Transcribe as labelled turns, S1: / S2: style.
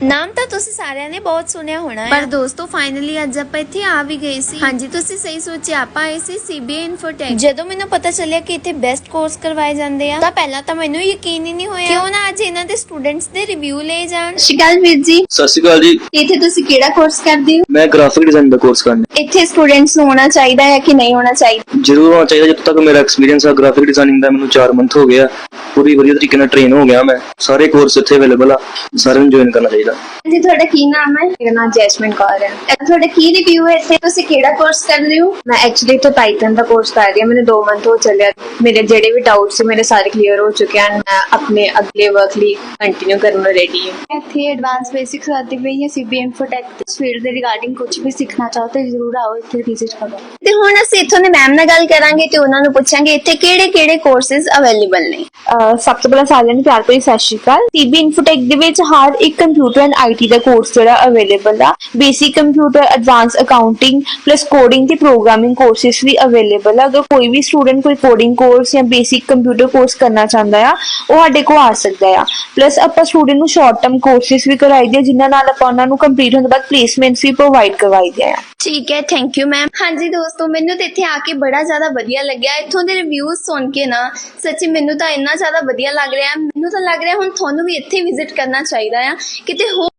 S1: ਨਾਮ ਤਾਂ ਤੁਸੀਂ ਸਾਰਿਆਂ ਨੇ ਬਹੁਤ ਸੁਣਿਆ ਹੋਣਾ ਹੈ, ਪਰ ਦੋਸਤੋ ਫਾਈਨਲੀ ਅੱਜ ਆਪਾਂ ਇੱਥੇ ਆ ਵੀ ਗਏ ਸੀ। ਹਾਂਜੀ, ਤੁਸੀਂ ਸਹੀ ਸੋਚਿਆ, ਆਪਾਂ ਆਏ ਸੀ ਸੀਬੀਏ ਇਨਫੋਟੈਕ। ਜਦੋਂ ਮੈਨੂੰ ਪਤਾ ਚੱਲਿਆ ਕਿ ਇੱਥੇ ਬੈਸਟ ਕੋਰਸ ਕਰਵਾਏ ਜਾਂਦੇ ਆ ਤਾਂ ਪਹਿਲਾਂ ਤਾਂ ਮੈਨੂੰ ਯਕੀਨ ਹੀ ਨਹੀਂ ਹੋਇਆ। ਕਿਉਂ ਨਾ ਅੱਜ ਇਹਨਾਂ ਦੇ ਸਟੂਡੈਂਟਸ ਦੇ ਰਿਵਿਊ ਲਏ ਜਾਣ।
S2: ਸਤਿ ਸ਼੍ਰੀ ਅਕਾਲ ਵੀਰ ਜੀ।
S3: ਸਤਿ ਸ਼੍ਰੀ ਅਕਾਲ ਜੀ।
S2: ਇੱਥੇ ਤੁਸੀਂ ਕਿਹੜਾ ਕੋਰਸ ਕਰਦੇ ਹੋ?
S3: ਮੈਂ ਗ੍ਰਾਫਿਕ ਡਿਜ਼ਾਈਨ ਦਾ ਕੋਰਸ ਕਰਨਾ।
S2: ਇੱਥੇ ਸਟੂਡੈਂਟਸ ਨੂੰ ਹੋਣਾ ਚਾਹੀਦਾ ਹੈ ਕਿ ਨਹੀਂ ਹੋਣਾ ਚਾਹੀਦਾ?
S3: ਜ਼ਰੂਰ ਹੋਣਾ ਚਾਹੀਦਾ। ਜਦੋਂ ਤੱਕ ਮੇਰਾ ਐਕਸਪੀਰੀਅੰਸ ਆ ਗ੍ਰਾਫਿਕ ਡਿਜ਼ਾਈਨਿੰਗ ਦਾ, ਮੈਨੂੰ 4 ਮੰਥ ਹੋ ਗਿਆ, ਪੂਰੀ ਵਧੀਆ ਤਰੀਕੇ ਨਾਲ ਟ੍ਰੇਨ ਹੋ ਗਿਆ। ਮੈਂ ਸਾਰੇ ਕੋਰਸ ਇੱਥੇ ਅਵੇਲੇਬਲ ਆ, ਸਾਰਿਆਂ ਨੂੰ ਜੁਆਇਨ ਕਰਨਾ ਚਾਹੀਦਾ।
S2: ਜੀ ਤੁਹਾਡਾ ਕੀ ਨਾਮ ਹੈ? ਮੇਰਾ ਨਾਮ ਜੈਸਮਿਨ ਕੌਰ ਹੈ। ਤੁਹਾਡਾ ਕੀ ਰਿਵਿਊ ਹੈ ਇੱਥੇ? ਤੁਸੀਂ ਕਿਹੜਾ ਕੋਰਸ ਕਰ ਰਹੇ ਹੋ? ਮੈਂ ਐਕਚੁਅਲੀ ਇੱਥੇ ਪਾਈਥਨ ਦਾ ਕੋਰਸ ਕਰ ਰਹੀ ਹਾਂ। ਮੈਨੂੰ 2 ਮੰਥ ਹੋ ਚੱਲਿਆ। ਮੇਰੇ ਜਿਹੜੇ ਵੀ ਡਾਊਟਸ ਸੀ ਮੇਰੇ ਸਾਰੇ ਕਲੀਅਰ ਹੋ ਚੁੱਕੇ ਹਨ। ਮੈਂ ਆਪਣੇ ਅਗਲੇ ਵਰਕ ਲਈ ਕੰਟੀਨਿਊ ਕਰਨ ਨੂੰ ਰੈਡੀ ਹਾਂ।
S4: ਇੱਥੇ ਐਡਵਾਂਸ ਬੇਸਿਕਸ ਆਦੀ ਪਈ ਹੈ ਸੀਬੀਏ ਇਨਫੋਟੈਕ ਇਸ ਫੀਲਡ ਦੇ ਰਿਗਾਰਡਿੰਗ ਕੁਝ ਵੀ ਸਿੱਖਣਾ ਚਾਹੋ ਤਾਂ ਜ਼ਰੂਰ ਆਓ, ਇੱਥੇ ਵਿਜ਼ਿਟ ਕਰੋ।
S2: ਤੇ ਹੁਣ ਅਸੀਂ ਇੱਥੋਂ ਦੇ ਮੈਮ ਨਾਲ ਗੱਲ ਕਰਾਂਗੇ ਤੇ ਉਹਨਾਂ ਨੂੰ ਪੁੱਛਾਂਗੇ ਇੱਥੇ ਕਿਹੜੇ ਕੋਰਸਿਸ ਅਵੇਲੇਬਲ ਨੇ।
S4: ਸਭ ਤੋਂ ਪਹਿਲਾਂ ਸਾਰਿਆਂ ਨੂੰ ਪਿਆਰ ਭਰੀ ਸਤਿ ਸ਼੍ਰੀ ਅਕਾਲ। ਸੀਬੀ ਇਨਫੋਟੈਕ ਦੇ ਵਿੱਚ ਹਰ ਇੱਕ ਕੰਪਿਊਟਰ ਐਂਡ ਆਈਟੀ ਦਾ ਕੋਰਸ ਜਿਹੜਾ ਅਵੇਲੇਬਲ ਆ। Basic computer, advance accounting plus coding ਤੇ ਪ੍ਰੋਗਰਾਮਿੰਗ ਕੋਰਸਿਸ ਵੀ ਅਵੇਲੇਬਲ ਆ। ਅਗਰ ਕੋਈ ਵੀ ਸਟੂਡੈਂਟ ਕੋਈ ਕੋਡਿੰਗ ਕੋਰਸ ਜਾਂ ਬੇਸਿਕ ਕੰਪਿਊਟਰ ਕੋਰਸ ਕਰਨਾ ਚਾਹੁੰਦਾ ਆ, ਉਹ ਸਾਡੇ ਕੋਲ ਆ ਸਕਦਾ ਆ। ਪਲੱਸ ਆਪਾਂ ਸਟੂਡੈਂਟ ਨੂੰ ਸ਼ਾਰਟ ਟਰਮ ਕੋਰਸਿਸ ਵੀ ਕਰਾਈਦੇ ਆ, ਜਿਨ੍ਹਾਂ ਨਾਲ ਆਪਾਂ ਉਹਨਾਂ ਨੂੰ ਕੰਪਲੀਟ ਹੋਣ ਤੋਂ ਬਾਅਦ ਪਲੇਸਮੈਂਟਸ ਵੀ ਪ੍ਰੋਵਾਈਡ ਕਰਵਾਈਦੇ ਆ।
S1: ਠੀਕ ਹੈ, ਥੈਂਕ ਯੂ ਮੈਮ। ਹਾਂਜੀ ਦੋਸਤੋ, ਮੈਨੂੰ ਤੇ ਇੱਥੇ ਆ ਕੇ ਬੜਾ ਜ਼ਿਆਦਾ ਵਧੀਆ ਲੱਗਿਆ। ਇੱਥੋਂ ਦੇ ਰਿਵਿਊਜ਼ ਸੁਣ ਕੇ ਨਾ ਸੱਚੀ ਮੈਨੂੰ ਤਾਂ ਇੰਨਾ ਜ਼ਿਆਦਾ ਵਧੀਆ ਲੱਗ ਰਿਹਾ। ਮੈਨੂੰ ਤਾਂ ਲੱਗ ਰਿਹਾ ਹੁਣ ਤੁਹਾਨੂੰ ਵੀ ਇੱਥੇ ਵਿਜ਼ਿਟ ਕਰਨਾ ਚਾਹੀਦਾ ਆ। ਕਿਤੇ ਹੋਰ